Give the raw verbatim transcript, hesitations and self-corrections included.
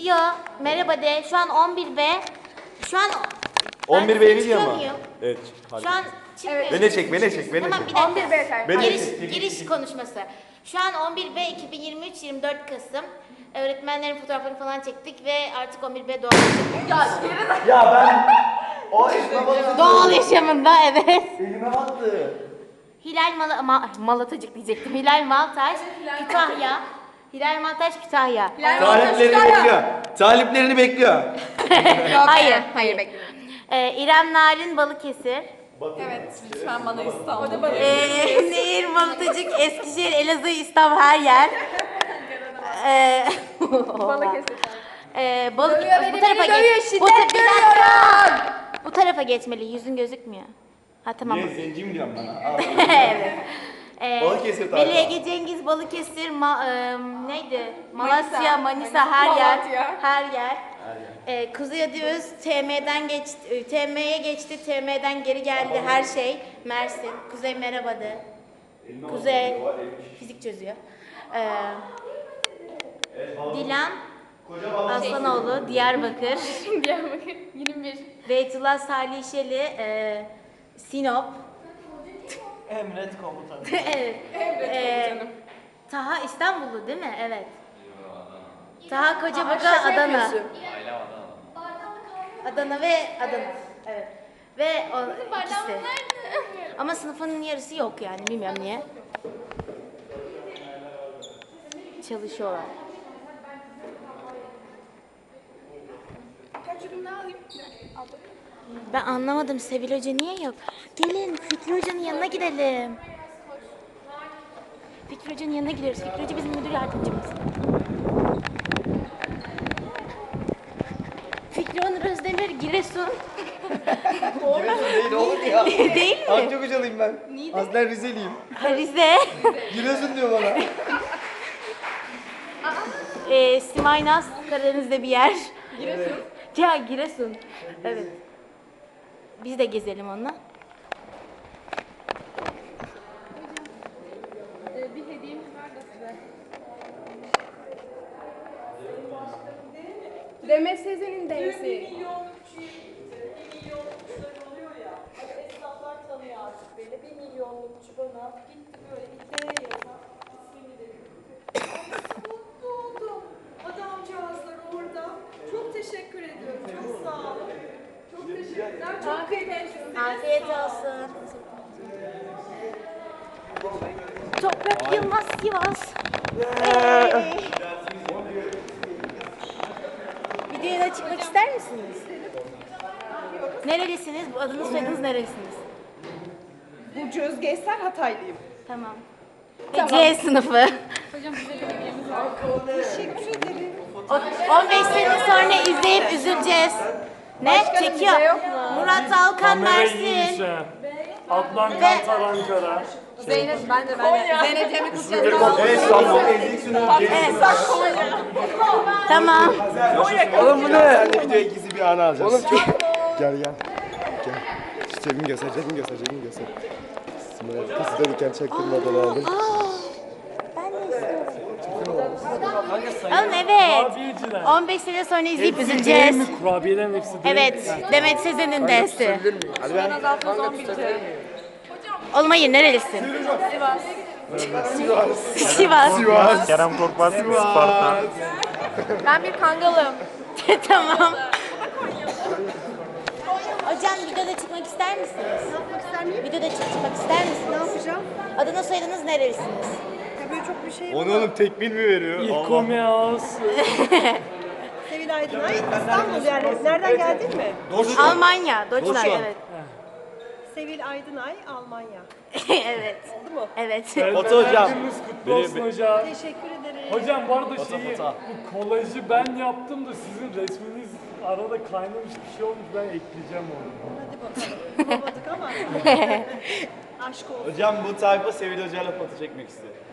Video merhaba de. Şu an on bir B. Şu an on bir Ben B seni video mu? çıkamıyorum. Evet. Şu an çıkmıyor. Beni çek, beni çek, beni Tamam çek. bir dakika. on bir B yeter. Beni Giriş, çek. giriş konuşması. Şu an on bir B iki bin yirmi üç yirmi dört Kasım. Öğretmenlerin fotoğraflarını falan çektik ve artık on bir B doğal yaşam. Ya ben o elime battı. Doğal yaşamında evet. Elime battı. Hilal Mal Ma Malatacık diyecektim. Hilal Maltaş, Kütahya. Hilal Maltaş, Kütahya. Taliplerini bekliyor. Taliplerini bekliyor. Hayır. Hayır bekliyorum. Ee, İrem Narin, Balıkesir. Evet, lütfen bana İstanbul. Ee, Nehir, Malatacık, Eskişehir, Elazığ, İstanbul her yer. Ee, Balıkesir. ee, balık, Dövüyor bu beni, tarafa beni dövüyor, geç. şiddet Bu, ta- bir dakika. görüyorum. Bu tarafa geçmeli. Yüzün gözükmüyor. Ha tamam. Niye zenci mi diyorsun bana? Al. Evet. Ee, Balıkesir tarafa. Melih Ege Cengiz, Balıkesir, Ma- e, neydi? Malasya, Manisa, Manisa, her yer. Malatya. Her yer. Ee, Kuzey Adiöz T M'den geçti, T M'ye geçti, T M'den geri geldi her şey. Mersin, Kuzey merhaba de. Kuzey fizik çözüyor. Ee, Dilan Aslanoğlu, Diyarbakır. Diyarbakır yirmi bir. Beytullah Salihşeli, e, Sinop. Emret komutanım. Evet. Ee, Taha İstanbullu değil mi? Evet. Taha Kocabaga Adana. Adana ve Adana. Evet. Ve o ikisi. Ama sınıfının yarısı yok yani bilmiyorum niye. Çalışıyorlar. Kaç ürün daha alayım? Ben anlamadım Sevil Hoca niye yok? Gelin Fikri Hoca'nın yanına gidelim. Fikri Hoca'nın yanına gidiyoruz. Fikri Hoca bizim müdür yardımcımız. Fikri Onur Özdemir, Giresun. Giresun değil oğlum ya. Değil mi? Akçakocalıyım ben. Aslen Rizeliyim. Ha, Rize. Giresun diyor bana. ee, Simay Naz, Karadeniz'de bir yer. Giresun. Ya Giresun. Evet. Biz de gezelim onunla. Ee, bir hediyemiz var da size. Demet Sezen'in densi. Esnaflar tanıyor artık beni. Bir milyonlukçu bana gitti böyle bir D yazan ismini de Nasıl mutlu oldum. Adamcağızlar orada. Çok teşekkür ediyorum. Çok sağ olun. Çok teşekkürler. Çok kıymetli. Afiyet olsun. Toprak Yılmaz Sivas. Hey. Videoya çıkmak ister misiniz? Nerelisiniz? Bu adınız soyadınız nerelisiniz? Burcu Özge Eser Hataylıyım. Tamam. Ve C sınıfı. Teşekkür ederim. O- on beş sene sonra izleyip üzüleceğiz. Ne? Çekiyor. Murat Alkan Mersin. Adnan Kantar Ankara. Zeynep, ben de ben de. Zeynep Cemil Kutlu'ya Evet, İstanbul. Ezik sünüyor. Evet. Tamam. Oğlum bu ne? Sen de videoya gizli bir anı alacağız. Oğlum çok... Gel gel. Gel. Şu cebimi göster, cebimi göster, cebimi göster. Sımaya kız verirken çaktırmadan aldım. Ben de istiyorum. Oğlum evet. Kurabiyeciler. on beş sene sonra izleyip Hepsi değil üzüleceğiz. mi? Kurabiyelerin hepsi değil mi? Evet. Demet Sezen'in dersi. Hadi ben. Oğlum hayır nerelisin? Sivas. Sivas. Kerem Korkmaz, Sparta. Ben bir kangalım. Tamam. Hocam videoda çıkmak ister misiniz? Ne yapmak ister miyim? Videoda çık- çıkmak ister misiniz? Ne yapacağım? Adınız soyadınız nerelisiniz? Ya böyle çok bir şey Onu oğlum tekbil mi veriyor? İlkomeos. Sevil Aydınay. İstanbul yani. Nereden geldin mi? Almanya. Deutschland Deutschland. evet. Sevil Aydınay, Almanya. evet. Oldu mu? Evet. Foto hocam. Gününüz kutlu olsun hocam. Teşekkür ederim. Hocam bu arada şeyi, bu kolajı ben yaptım da sizin resminiz arada kaynamış bir şey olmuş, ben ekleyeceğim onu. Hadi bakalım. Bulamadık ama. Aşk olsun. Hocam bu tayfa Sevil Hoca'yla foto çekmek istiyor.